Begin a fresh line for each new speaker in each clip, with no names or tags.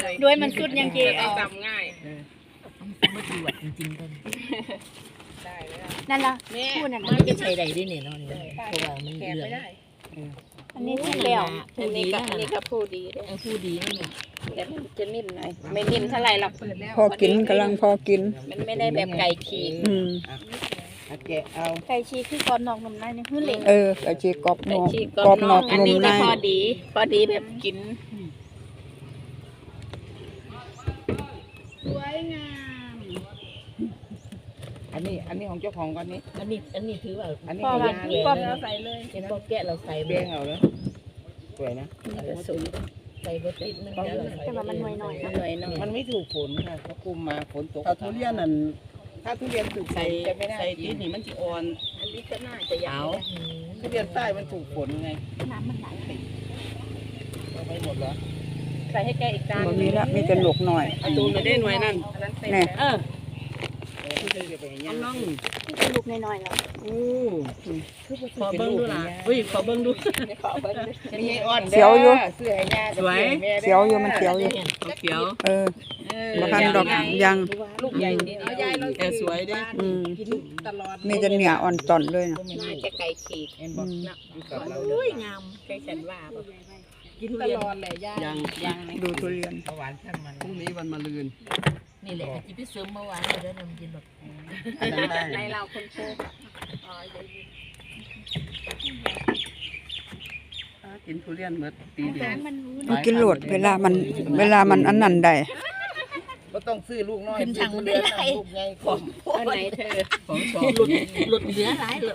เลย
ด้วยมันสุดยังเจ๊เอา
จำง่าย
มาตรวจจริงๆกัน
ได้เลย
นั่นล่ะ
แม่
พูดนั่น
มัน
น่ะ
จะใช้ได้ด้วยเนี่ยเนาะเพราะว่ามัน
แก
เหลือ
ไม่
ง
ได้
อันนี้สุดแล้ว
ผู้ดีนะ
อันนี้ก็ผู้ดีเลย
ผู้ดีนั่นเอง
แต่มันจะนิ่มหน่อยไม่นิ่มเท่าไหร่หรอก
พอกินกำลังพอกิน
มันไม่ได้แบบไก่ฉีก
อืม
แกะเอา
ไก่ชีคือกรอบนอกนุ่มในนี่คือเหล็ก
ไก่ชีกรอบน
ไก่
อก
ฉีก
กรอบนอก
อัน
นุ่
นี้
มใน
ก็พอดีแบบกิน
สวยงาม
อันนี้ของเจ้าของก่อนนี้
อันนี้ถือว่า
อันนี้
พอ
ของ
ว่า
ย่าง
กรอบ
เลย
เราใส่เลย
เป็นพอแกะเราใส่
เบี้ยงเอาเลยสวยนะ
ใส่บดติดมันแล้วเราใส่
แต่ว่ามันหน่อยๆนะ
หน่อยหน่อย
มันไม่ถูกฝนค่ะเขาคุมมาฝนตก
ถ้าทุเรียนนั่น
ถ้าทุเรียนถูกฝ
ใส่
นจะไม่ได้
ใส่
กิ
ตี
น
นี่มันสิอ่อน
อันนี้ก็น่าจะยาว
ทุเรียนใต้มันถูกฝนไง
น้ำมันไหล
เอาไปหมดแล้ว
ใส่ให้แกอีกจาน
บ่มีละมีแต่หลกหน่อย
เอาตูนมาได้หน่วยนั่น
อันนั้นเสร็จ
แน่
แล้ว
ที่เธอจะไปเห็นยั
เอา
ง
น้อง
ลูกน้อยๆแล้ว
โอ้ขอเบิ้งดูล่ะอุ้ยขอเบิ้งดู
ขอเบิ้ง
มีอ่อน
เขียวอยู่
เสื้อให้ย่า
สวย
เขียวอยู่มันเขียวอยู่
เขียว
บ่ทันดอกยัง
ลูกใหญ่นี่เอายายเรา
แต่สวยเด้
อืม
กินตลอด
มีแต่เนื้ออ่อนตอนเลยนะ
น่าจะไก่ฉีก
เห็นบอกอยู่กับเรา
อุ้ยงาม
เคยฉันว่าแบบ
กิน
ต
เรียน
ลอดเลยย่า
ยัง
ยัง
ดูทุเรียน
หวานช่างมัน
พรุ่งนี้วันมะรืน
นี่แหละที่พี่เสริมเมื่อวานเลยแล้วนำกินแบบ
อันนั้นได้
ในเราคนโชค
กินทุเรียนเมื่อปีเดียว
มันรู้
มันกินโหลดเวลามันอันนั้นได้
ก็ต้องซื้อลูกน้อยซื้อทุเรียนลูกใหญ่ของ
อันไหนเธอ
ของสอง
หลุดเหลือหลายหลุด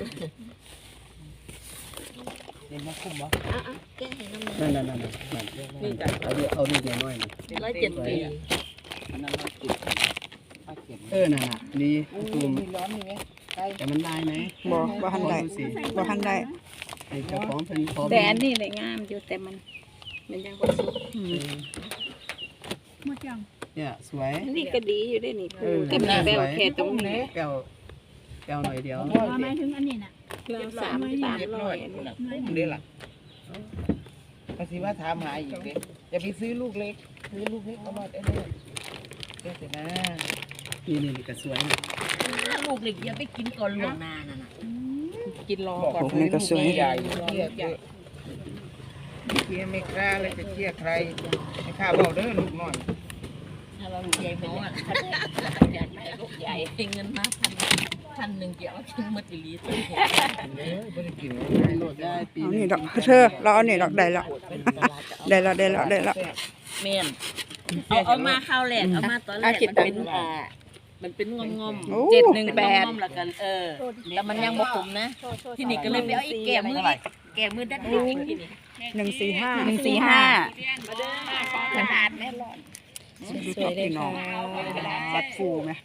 เห็นมาคุ้มวะ
แกให้น้ำ
นั่นนี่จ้ะเอาดีน้อย
107 ปี
อันนั้นเราเก็บเอาเก็บ
นั่นน่ะดีตูม
มีร้อนมีไหมใกล้
แต่มันได้ไหม
บ่ทันได้บ่ทันได้
ไอ้เจ้าของเป็นพอ
แต่อันนี้เลยงามอยู่แต่มันยังบ่สุก
อืม
หมดยัง
เนี่ยสวย
อันนี้ก็ดีอยู่ด้วยนี่ก็มีแววแค่ตรงนี้
แก้วหน่อยเดียว
หมายถึงอันนี้น่ะ
เรา300
น้อยเด้ล่ะภาษีว่าถามหาอีกเด้จะไปซื้อลูกเล็กซื้อลูกเล็กเอามาได้เลยเดี๋ยวสินะ
นี่ก็สวย
ลูกเด็กอย่าไปกินก่อนล่วงหน้านั่นน่ะ
กินรอก่อน
พวกนี้ก็สวย
ใหญ่เที่ยเที่ยไม่กล้าเลยจะเที่ยใครไม่ข้าบอกเด้อลูกน้อย
ถ้าเราลูกใหญ่ไปแล้วอยากได้ลูกใหญ่ให้เงินมา1,000จะเอาทิ้งหมดอีหลีตัว
ไม่ได้กิน
โหลดได้ปี
เอานี่ดอกเธอเราเอานี่ดอกได้แล้วได้แล้ว
แม่นเอามาข้าวแรกเอามาตอนแรกมันเป็นงอม
โอ้
งอมแล้วกันแต่มันยังบ่ขมนะที่นี่ก็เลยไปเอาอีกแก่มือดัดอีกที่นี่
145
ขนาดแม่ร้อน
ดูตัวพี่น้องบัดฟูไหม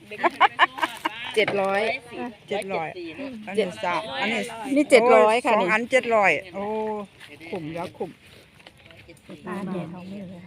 700
700อันนี้สามอันนี้
นี่700ค่ะ
สอง
นี่
อัน700โอ้คุ้มแล้วคุ้ม
ตาแดดเขาไม่เลย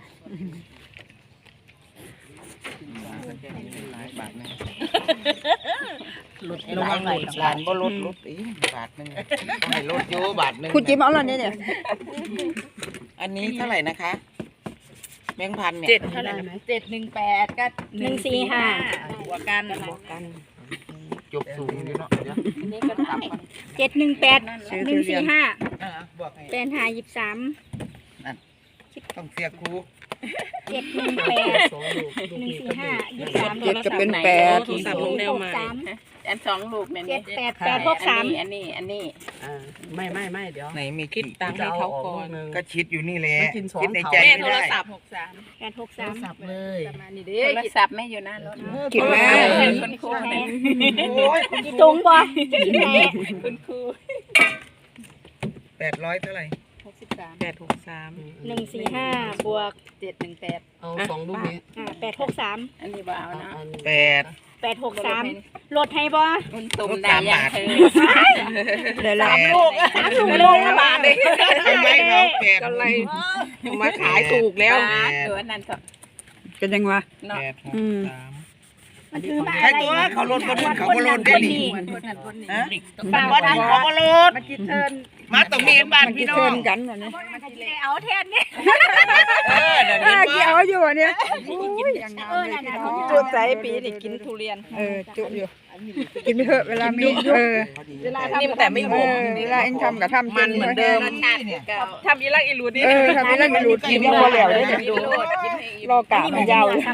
หลายบาทนะ
หลุด
ระวังหลุดหลานบ่ลดอีบาทนึงให้ลดอยู่บาทนึง
คุณจิ๊บเอาแล้วเนี่ย
อันนี้เท่าไหร่นะคะแบงค์พันเนี่ย
7เท่าไหร่นะ718ก็145บวกกัน
จบสูงอยู่เนาะเดี๋ยว
อันนี้ก็ต่ำมัน
718 145
บอกให้
8523
ต้องเสียครู
718 145 23
เจ็ดก็เป็น8
63อัน2ลูกแม่นี่
78863
อันนี้
ไม่เดี๋ยว
ไหนมีคิด
ตังค์ให้เขาก่อน
ก็คิดอยู่นี่แหละ
มันกินสอง
คิดในใจ
แม่
ไม่
โทร
ได้
ศัพท์
สับเลย
ประมาณนี้เด้โทรศัพท์แม่อยู่หน้ารถ
กินแม่
คุณครูแม่
โอ้ย
อีตุงบ่แม่
คุณครู
800เท่าไหร่
863
145บวก
718
เอาสองลูกนี้
863
อันนี้บ่เอานะ
8
863ลดให้บ่
คุณตุ่มได้ยังเธอ
ได้ละ
ลูกละบาทเลย
ทำไมเขา8
ก็เลยมาขายถูกแล้วตัวนั้นก็
กันยังวะ
เนาะ
8
อืม
6 3
มันถือมา
ใคร
อะไร
ตัวเขาลดคนอื่นเขาก็ลดได้ดิ ฮะ
ป้า
บ้านนี้เขาก็ลด
มันจิตเทิน
มาตรงนี้บ้าน
มัน
พี่
กี่
น้อ
เทิ
ง
นกันวะเนี่ย
เอาแทนนี่
เดี๋ยว
กี่เอาอยู่วะเนี่ย
จุดใจปีนี่กินทุเรียน
จุอยู่กินไปเถอะเวลามี
เวลาทำแต่ไม่หมด
เวลาเองทำกับทำ
มันเหมือนเดิม
เนี่ย
ทำอีลักอีรูนี่
ทำนี่แล้วมีรูดกินพอแล้วเลยรอกะมันยาวเลย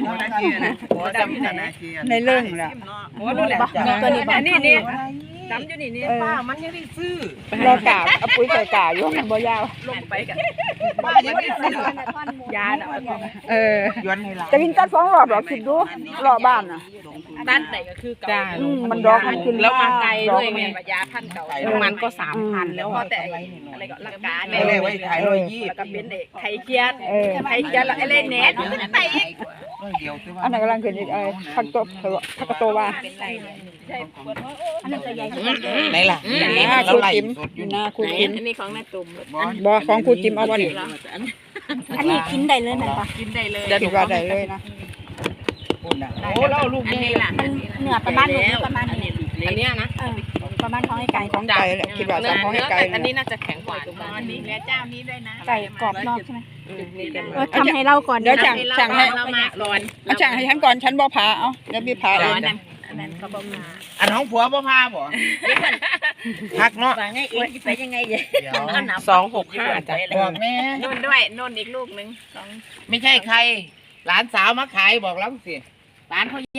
ในเรื่องแหละ
โอ้ดูแหละตัวนี้อันนี้นี่จำอยู่นี่นี่
ป้ามันยังได้ซื้อ
รอกะเอาปุ๋ยใส่กะอยู่มันบ่ยาว
ลงไปกัน
ป้ายังได้ซื้อย
าน่ะ
ย้อนให้เรา
จะกินกัด2 รอบหรอคิดดูรอบบ้านน่ะ
ด้านไหนก็คือเก่า
มันดอกมันขึ้น
แล้วมาไกลด้วยไงยาพันเก่ามันก็3,000แล้วก็แต่อะไรก็ลักการ
ไม่เลยไว้ขาย120
แล้วก็เป็นเด็กไข่เกียดไข่เกียดแล้วไอ้เล่นเน็ตไปอีก
เดียวใช่ป่ะ
อันนั้นกำลังขึ้นอีกผักตบผักโตว่า
อันนั้นจะใหญ่กว่า
ไหนล่ะ
หน้าครูจิมหน้าครูจิม
อันนี้ของแม่ตุ่ม
บ่ของครูจิมเอาบ่นี่
อันนี้กินได้เลยแม่นปะ
กินได้เลย
คิดว่าได้เลยนะ
คุณน่ะโอ้แล้วลูก
อัน
นี่
นี้ล่ะ
มันเหนือประมาณหนึ่งประมาณนี้
อันนี้นะ
ประมาณท้องไอ้ไก่
ของไก่แหละคิดว่าจะของให้ไก่
อันนี้น่าจะแข็งกว่าอันนี้และเจ้านี้ด้วยนะ
ไก่กรอบนอกใช่ไหม
นี่กัน
ทำให้เราก่อน
เดี๋ยวจังให้
เรามาก่อน
เอาจังให้ฉันก่อนฉันบ่พาเอาเดี๋ยวพี่พาเอง
อันนั้นเขาบอกมา
อันของผัวบ่พาบ่พักเนาะ
ว่าไงเองไปยังไงเดี๋ยว
265จ้ะ
บอกแม่
นุ่นด้วยนุ่นอีกลูกนึง
ไม่ใช่ใคร หลานสาวมาขายบอกแล้วสิหลานเขา